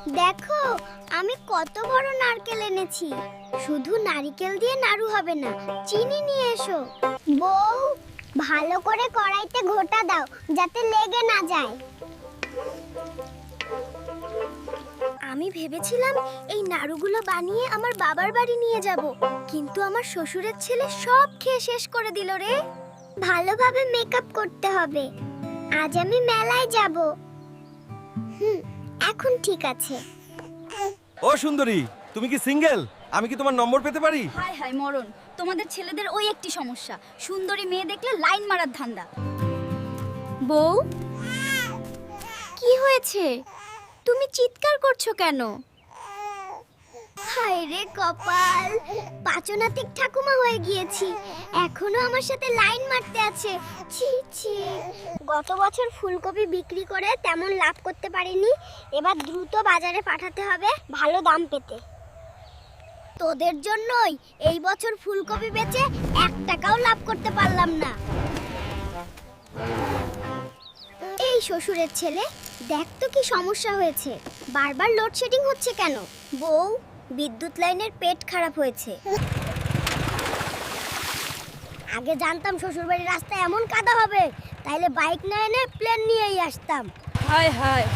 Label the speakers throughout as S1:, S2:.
S1: দেখো আমি কত বড় নারকেল এনেছি। শুধু নারকেল দিয়ে নাড়ু হবে না, চিনি নিয়ে এসো। বউ, ভালো করে কড়াইতে ঘোটা দাও যাতে লেগে না যায়। আমি ভেবেছিলাম এই নাড়ুগুলো বানিয়ে আমার বাবার বাড়ি নিয়ে যাব, কিন্তু আমার শ্বশুরের ছেলে সব খেয়ে শেষ করে দিল রে। ভালোভাবে মেকআপ করতে হবে, আজ আমি মেলায় যাব। এখন ঠিক আছে।
S2: ও সুন্দরী, তুমি কি সিঙ্গেল? আমি কি তোমার নম্বর পেতে পারি?
S3: হায় হায় মরণ, তোমাদের ছেলেদের ওই একটি সমস্যা, সুন্দরী মেয়ে দেখলে লাইন মারার ধান্দা। বউ, কি হয়েছে? তুমি চিৎকার করছো কেন?
S1: হায় রে কপাল, পাচনাতিক ঠাকুমা হয়ে গিয়েছি, এখনো আমার সাথে লাইন মারতে আছে। ছি ছি, গত বছর ফুলকপি বিক্রি করে তেমন লাভ করতে পারিনি, এবার দ্রুত বাজারে পাঠাতে হবে ভালো দাম পেতে। তোদের জন্যই এই বছর ফুলকপি বেচে 1 টাকাও লাভ করতে পারলাম না। এই শ্বশুরের ছেলে, দেখ তো কি সমস্যা হয়েছে, বারবার লোডশেডিং হচ্ছে কেন? বউ, বিদ্যুৎ লাইনের পেট খারাপ হয়েছে। আগে জানতাম শ্বশুরবাড়ির রাস্তায় এমন কাদা হবে, তাইলে বাইক না এনে প্লেন নিয়েই আসতাম।
S3: হায় হায়,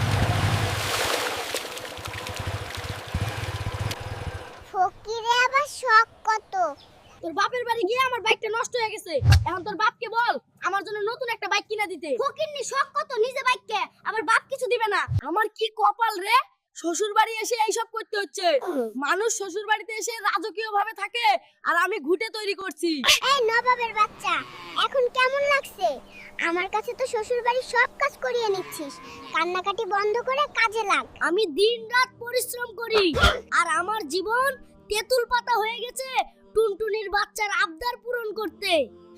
S1: ফকিরে আবার শখ কত।
S3: তোর বাপের বাড়ি গিয়ে আমার বাইকটা নষ্ট হয়ে গেছে, এখন তোর বাপকে বল আমার জন্য নতুন একটা বাইক কিনে দিতে।
S1: ফকিরনি শখ কত, নিজে বাইককে আবার বাপ কিছু দিবে না।
S3: আমার কি কপাল রে, শ্বশুর বাড়ি এসে এইসব করতে হচ্ছে। মানুষ শ্বশুর বাড়িতে এসে রাজকীয় ভাবে থাকে, আর আমি ঘুটে তৈরি করছি।
S1: এই নবাবের বাচ্চা, এখন কেমন লাগছে? আমার কাছে তো শ্বশুর বাড়ির সব কাজ করিয়ে নিচ্ছিস, কান্নাকাটি বন্ধ করে কাজে লাগ।
S3: আমি দিনরাত পরিশ্রম করি, আর আমার জীবন তেঁতুল পাতা হয়ে গেছে টুনটুনির বাচ্চার আবদার পূরণ করতে।